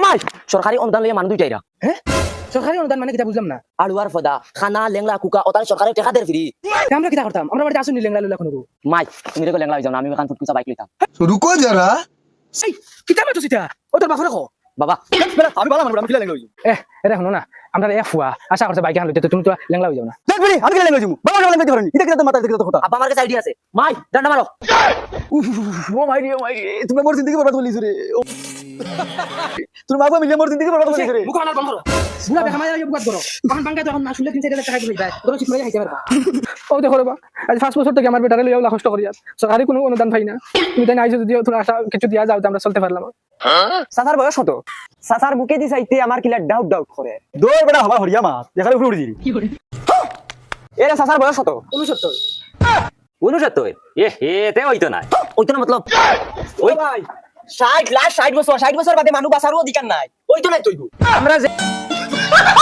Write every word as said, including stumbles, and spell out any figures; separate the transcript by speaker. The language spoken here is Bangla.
Speaker 1: মাই সরকারি অনুদান লইয়া মানুষ দুইটাইরা
Speaker 2: হ্যাঁ সরকারি অনুদান মানে কিটা বুঝলাম না
Speaker 1: আলুয়ার ফদা খানা লেংলা কুকা ওতার সরকারি টাকা দেয় ফ্রি
Speaker 2: তা আমরা কিটা করতাম আমরা বাড়িতে আসুন লেংলা লুলা কোনো
Speaker 1: মাই তুমি রেগে লেংলা হয়ে যাও না, আমি এখান ফুটকুচা বাইক লইতাম।
Speaker 3: रुको जरा
Speaker 2: সেই কিটা মাতো সিটা ও তোর বাপরে কো
Speaker 1: বাবা
Speaker 4: আমি ভালো মানুষ আমি কিলা লেঙ্গা হইছি
Speaker 2: এ এটা শুনো না আমরা এ ফুয়া আশা করছে বাইক হান লইতে তুমি তো লেংলা হয়ে যাও না
Speaker 4: দেখ বলি আমি কিলা লেঙ্গা হইছি বাবা লেঙ্গা হইতে পারেনি এটা কিলা তো মাথা দেখতে কথা
Speaker 1: আব্বা আমার কাছে আইডিয়া আছে, মাই ডান্ডা মারো।
Speaker 4: ও মাই রে মাই রে তুমি মোর জিন্দেগি বরবাদ করলিস রে তোর মা বাবা মিলে মোর জিন্দেগি বরবাদ করলিস রে
Speaker 2: মুখ আনার বন্ধ করো বুড়া বেকা মাইয়া বুকাত করো তখন বাঙ্গাই তখন না শুনলে তিন চার হাজার টাকা দিবি ভাই তোর চিপ মাইয়া খাইতে পারবা ও দেখো রে বা আজ পাঁচ বছর থেকে আমার বেটারে লইয়া কষ্ট করি সরকারি কোনো অনুদান পাই না তুমি তাই আইছো যদি তোর আশা কিছু দিয়া যাও আমরা চলতে পারলাম।
Speaker 4: সাসার বয়স কত সাসার বুকে দি চাইতে আমার কিলা ডাউট ডাউট করে দৌড় বেটা হবা হরিয়া মা দেখালে উপরে উড়ি
Speaker 2: কি করে
Speaker 4: এরা সাসার বয়স কত
Speaker 2: উনসত্তর
Speaker 1: উনসত্তর এ হে তে হইতো না হইতো না মতলব
Speaker 4: ওই ভাই ষাট লাস্ট ষাট বছর ষাট বছর বাদে মানুষ বাঁচারও অধিকার নাই ওই তো নাই তুই
Speaker 2: আমরা যে